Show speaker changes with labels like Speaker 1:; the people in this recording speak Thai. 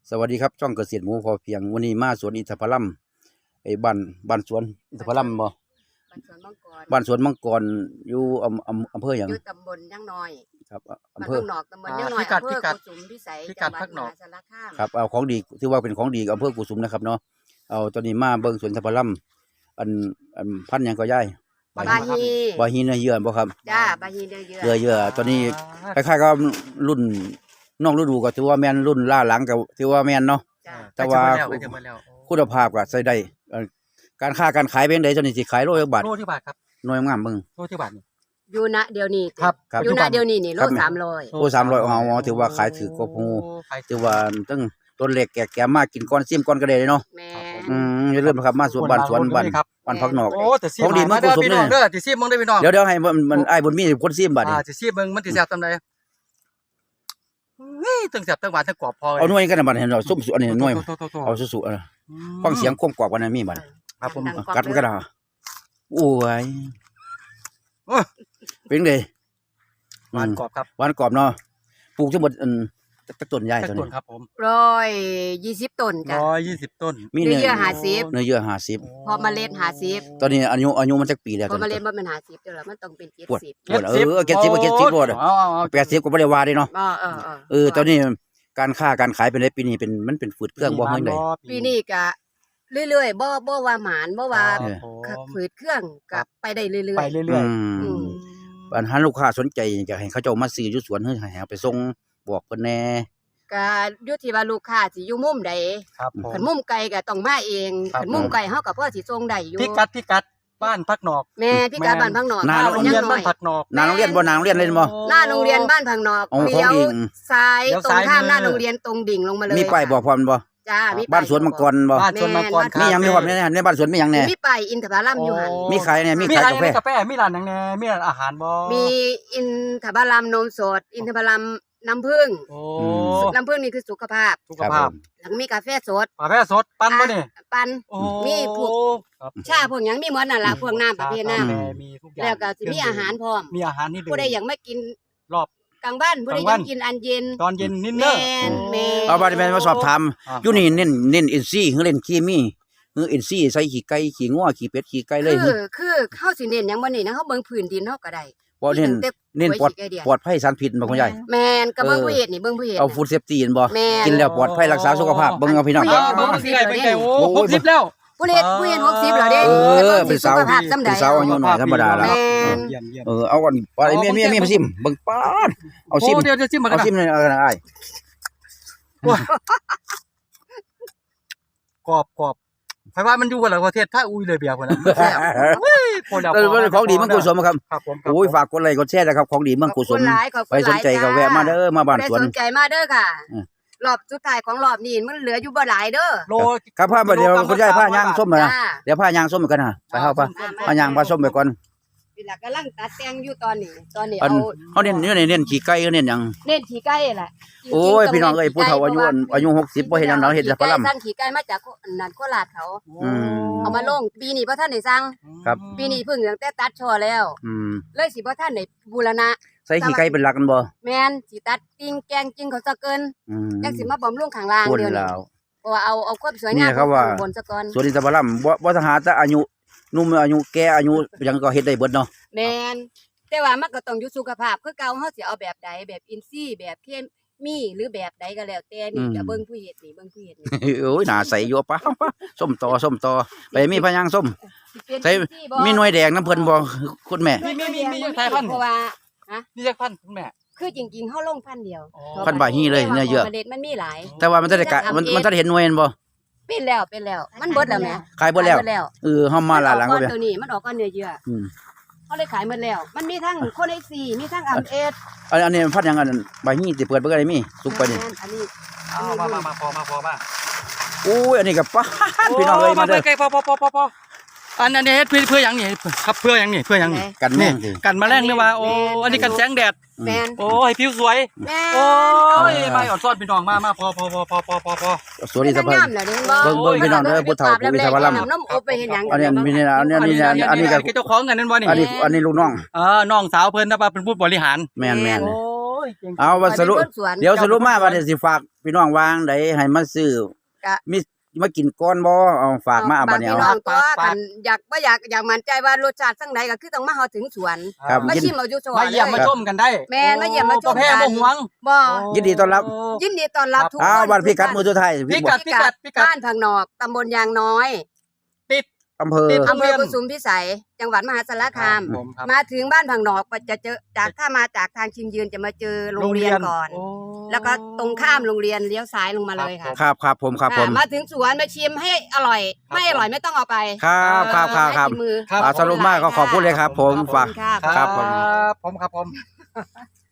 Speaker 1: สวัสดีครับช่องเกษตรหมูพอเพียงวันนี้มาสวนอินทผลัมไอ้บ้านสวนอินทผลัมบ่บ้านสวนมังกรอยู่อำเภอหยัง
Speaker 2: อยู่ตำบลย่างน้อย
Speaker 1: ครับ
Speaker 2: บ้าน
Speaker 1: อำเภอ
Speaker 2: พักหนอกตำบลย่างน้อยอำเภอกุสุมพิสัยจังหวัดมหาสารคาม
Speaker 1: ครับเอาของดีถือว่าเป็นของดีอำเภอกุสุมนะครับเนาะเอาตอนนี้มาเบิ่งสวนอินทผลัมอันพันธุ์หยังก็ย้าย
Speaker 2: บาฮี
Speaker 1: เนื้อเยื่อบ่ครับ
Speaker 2: จ้าบาฮีเนื้อ
Speaker 1: เยื่อตอนนี้คล้ายๆกับรุ่นน้องฤดูก็ถือว่าแม่นรุ่นล่าหลังก็ถือว่าแม่นเนาะแต่ว่าคุณภาพก็ใช้ได้การค้าการขายเป็นไดตอนนี้สิขายโลละบาท
Speaker 3: โลที่บาทครับ
Speaker 1: หน่วยงามเบิ่ง
Speaker 3: โลที่บาทนี่
Speaker 2: อยู่ณเดี๋ยวนี้
Speaker 3: ครับ
Speaker 2: อยู่ณเดี๋ยวนี้นี่โล300
Speaker 1: โล300เอาถือว่าขายถือกว่าฮู้ถือว่าตั้งต้นเล็กแก่ๆมากินก่อนซิมก่อนก็ได้เนาะ
Speaker 2: แม่
Speaker 1: อย่าลืมนะครับมาสวนบ้านบ้านพักนอก
Speaker 3: ของดีเมืองกุสุมนี่เด้อสิซิมเบิ่งได้พี่น้อง
Speaker 1: เดี๋ยวให้มันอ้ายบุญมีคนซิมบัดนี้
Speaker 3: สิซิมเบิ่งมันสิแซ่บซำใดนี่ตึงแซ่บตึงหวานตึงกรอบพอ
Speaker 1: เอาหน่วยกันบัดเห็นเนาะซุ่มอันนี้หน่วยเอาสุๆฟังเสียงความกรอบกันมีบัด
Speaker 3: ครับผม
Speaker 1: กัดมันก็ได้โอ้ยเป็นไง
Speaker 3: หวานกรอบครับ
Speaker 1: หวานกรอบเนาะปลูกทั้งหมดต้นใหญ่เท่านี้
Speaker 3: ครับผม
Speaker 2: 120ต้นจ้ะ
Speaker 3: 120ต้น
Speaker 2: มีเนื้อเยื่อ
Speaker 1: 50
Speaker 2: พอเมล็ด50
Speaker 1: ตอนนี้อายุมันจักปีแล้ว
Speaker 2: พอเมล็ดมันเป็น50เด้อมันต้องเป็น70
Speaker 1: 70บ่80ก็บ่ได้ว่าเด้เนาะตอนนี้การค้าการขายเป็นได้ปีนี้มันเป็นฝืดเครื่องบ่เฮ็ดได้
Speaker 2: ปีนี้ก็เรื่อยๆบ่ว่าหมานบ่ว่าฝืดเครื่องก็ไปได้เรื่อยๆ
Speaker 3: ไปเรื่อย
Speaker 1: ปัญหาลูกค้าสนใจอยากให้เขาเจ้ามาซื้ออยู่สวนให้เอาไปส่งบอกเพิ่นแน่
Speaker 2: ก็อยู่ที่ว่าลูกค้าสิอยู่มุมใดคันมุมไกลก็ต้องมาเองคันมุมไกลเฮาก็พอสิส่งได้อยู่
Speaker 3: พิกัดบ้านพักนอก
Speaker 2: แม่พิกัดบ้านพักนอก
Speaker 1: หน้าโรงเรียน
Speaker 3: บ้านพักนอก
Speaker 1: หน้าโรงเรียนบ่หน้าโรงเรียนเลยบ่
Speaker 2: หน้าโรงเรียนบ้านพักนอกเลี้ยวซ้ายตรงข้ามหน้าโรงเรียนตรงดิ่งลงมาเลย
Speaker 1: มีป้ายบอกพร้อมบ่
Speaker 2: จ้ามี
Speaker 1: บ้านสวนมังกรบ่
Speaker 3: บ้านสวนมังกร
Speaker 1: มีหยังมีพร้อมในบ้านสวนมีหยังแน่
Speaker 2: มีป้ายอินทผลัมอยู่หั่น
Speaker 1: มีขายเนี่ยมีขายกาแฟ
Speaker 3: มีร้านหยังแน่มีร้านอาหารบ่
Speaker 2: มีอินทผลัมนมสดอินทผลัมน้ำผึ้งน้ำผึ้งนี่คือสุขภาพแล้วมีกาแฟสด
Speaker 3: ปั่นบ่นี่
Speaker 2: ปั่นมีพวกชาพวกหยังมีหมดนั่นล่ะพวกน้ำประเภทน้ำแล้วก็สิมีอาหารพร้อม
Speaker 3: มีอาหารนี่
Speaker 2: ผู้ใดอยากมากิน
Speaker 3: รอบ
Speaker 2: กลางบ้านผู้ใดอยากกินอันเย็น
Speaker 3: ตอนเย็นนิดเด้อ
Speaker 2: แม่
Speaker 1: เอาบัดนี้มาสอบถามอยู่นี่เน้นอินซีหรือเล่นเคมีอินซีใส่ขี้ไก่ขี้งัวขี้เป็ดขี้ไก่เลย
Speaker 2: คือเฮาสิเน้นหยังบ่นี่นะเฮาเบิ่งพื้นดินเฮาก็ได้
Speaker 1: บ่เน้นปลอดภัยสารพิษบ่คุณยาย
Speaker 2: แม่นก็เบิ่งผู้เฮ็ดนี่เบิ่งผู้เฮ็ด
Speaker 1: เอาฟู้ดเซฟตี้บ่กินแล้วปลอดภัยรักษาสุขภาพเบิ่งเอาพี่น้อง
Speaker 3: เบิ่งสิได้ไปโอ้60แล้ว
Speaker 2: ผู้เฮ็ด60แล้วเด้
Speaker 1: เป็นสาวเป็นสาวอายุน้อยธรรมดาแล้วเอาก่อนไปมีมาซิมเบิ่งป๊าดเอาซิม
Speaker 3: เดี๋ยวซิมมา
Speaker 1: เอาซิมเลยอ้าย
Speaker 3: กรอบไผว่ามันอยู่บ่ล่ะประเทศถ้าอุ้ยเลยเบียร์พุ่นน่ะแซ่บ
Speaker 1: ของดีเมืองกุสุมครับโอ้ยฝากกดไลค์กดแชร์นะครับของดีเมืองกุสุมไปสนใจก็แวะมาเด้อมาบ้านสวน
Speaker 2: สนใจมาเด้อค่ะรอบสุดท้ายของรอบนี้มันเหลืออยู่บ่หลายเด้อ
Speaker 1: โลครับพาเดี๋ยวคุณยายพาย่างส้มมาเดี๋ยวพาย่างส้มกันนะไปเฮาพาย่างพาส้มไปก่อน
Speaker 2: นี่ล่ะกำลังตัดแต่งอยู่ตอนนี้
Speaker 1: เอาเน้นขี้ไก่เน้นหยัง
Speaker 2: เน้นขี้ไก่แหละ
Speaker 1: โอ้ยพี่น้องเอ้ยผู้เฒ่าอายุ60บ่เฮ็ดหยังเนาะเฮ็ดแต่พลัม
Speaker 2: สั่งขี้ไก่มาจากนั่นโคราชเขาเอามาลงปีนี้บ่ทันได้สั่ง
Speaker 1: ครับ
Speaker 2: ปีนี้เพิ่งตั้งแต่ตัดช่อแล้วเลยสิบ่ทันได้บูรณะ
Speaker 1: ใส่ขี้ไก่เป็นหลักกันบ่
Speaker 2: แม่นสิตัดกิ่งแกงกิ่งเขาซะเกินจังสิมาบำรุงข้างล่างเดี๋ยวนี้เพราะว่าเอาความสวยงามบนซะก่อน
Speaker 1: ส่วนอินทผลัมบ่ทหารแต่อายุนุ่มอายุแก่อายุยังก็เฮ็ดได้เบิดเนาะ
Speaker 2: แม่นแต่ว่ามันก็ต้องอยู่สุขภาพคือเก่าเฮาสิเอาแบบใดแบบอินทรีย์แบบเคมีหรือแบบใดก็แล้วแต่นี่จะเบิ่งผู้เฮ็ดนี่
Speaker 1: โอ้ยหน้าใสอยู่ป่ะส้มตอไปมีพะยางส้มใส่มีหน่วยแดงน้ำเพิ่นบ่คุณแม่
Speaker 3: มีสายพันธุ์เพราะว่าฮะมีจักพันธุ์คุณแม่
Speaker 2: คือจริงๆเฮาลงพันธุ์เดียว
Speaker 1: พันธุ์บาฮีเลยเนื้อเยอะ
Speaker 2: มันมีหลาย
Speaker 1: แต่ว่ามันจะได้มันจะเห็นหน่วยบ่
Speaker 2: เป็นแล้วมันเบิดแล้วแม่
Speaker 1: ขายเบิดแล้วเฮามาหลัง
Speaker 2: ก็ตัวนี้มันออกก็เนื้อเยอะเขาเลยขายหมดแล้วมันมีทั้งโคเนซีมีทั้งอัมเอส
Speaker 1: อันนี้พัดยังอันใบฮีสิเปิดเบิ่งได้มีสุกไปนี่
Speaker 2: อันนี้
Speaker 3: มาพอมา
Speaker 1: โอ้ยอันนี้ก็ป้าพี่น้องเอ้ยมาเด้อ
Speaker 3: พออันนี้เฮ็ดเพื่อหยังนี่ครับเพื่อหยังนี่
Speaker 1: กันแม่ง
Speaker 3: กันแมลงหรือว่าโอ้อันนี้กันแสงแดดโอ้ให้ผิวสวยโอ้ยมาอดซ้อนพี่น้องมาพอ
Speaker 1: สวัสดีครับเบิ่งพี่น้องเด้อผู้เฒ่าผู้วิทยาลัมอันนี้มีนี่อันนี้
Speaker 3: ก็เจ้าของกันนั่นบ่นี่
Speaker 1: อันนี้ลูกน้อง
Speaker 3: น้องสาวเพิ่นนะว่าเป็นผู้บริหาร
Speaker 1: แม่นเอาว่าสรุปเดี๋ยวสรุปมาว่าสิฝากพี่น้องวางไดให้มาซื้อ
Speaker 2: ก็
Speaker 1: มีมากินก่อนบ่เอาฝากมาเอาบัดนี้
Speaker 2: พี่
Speaker 1: เอา
Speaker 2: น้องตัวกันอยากบ่อยากมั่นใจว่ารสชาติจังไดก็คือต้องมาเฮาถึงสวน
Speaker 1: ครับ
Speaker 2: มา
Speaker 1: ยิน
Speaker 2: ชิมเอาอยู่สวน
Speaker 3: มาเยี่ยมมาชมกันได้
Speaker 2: แม่นมาเยี่ยมมาชม
Speaker 3: บ่แพ้บ่หวง
Speaker 2: บ่
Speaker 1: ยินดีต้อนรับ
Speaker 2: ยินดีต้อนรับทุกคน
Speaker 1: อ้าวบัดพี่กัดมือสุดท้าย
Speaker 3: พิกัด
Speaker 2: บ้านพังนอกตำบลยางน้อย
Speaker 3: ติด
Speaker 1: อำเภอ
Speaker 3: ติด
Speaker 2: อำเภอกุสุมพิสัย จังหวัดมหาสารคาม
Speaker 3: ผมครับ
Speaker 2: มาถึงบ้านพังนอกก็จะเจอถ้ามาจากทางชิงยืนจะมาเจอโรงเรียนก่อน
Speaker 3: โ
Speaker 2: แล้วก็ตรงข้ามโรงเรียนเลี้ยวซ้ายลงมาเลยค่ะ
Speaker 1: ครับผม
Speaker 2: มาถึงสวนมาชิมให้อร่อย ไม่อร่อยไม่ต้องเอาไป
Speaker 1: ครับครับ
Speaker 2: ให้กินมือ
Speaker 3: ครับ
Speaker 1: สรุปมากก็ขอบคุณเลยครับ ผมฝาก
Speaker 2: ขอบคุณค่ะ
Speaker 1: ครับผม
Speaker 3: ผมครับผม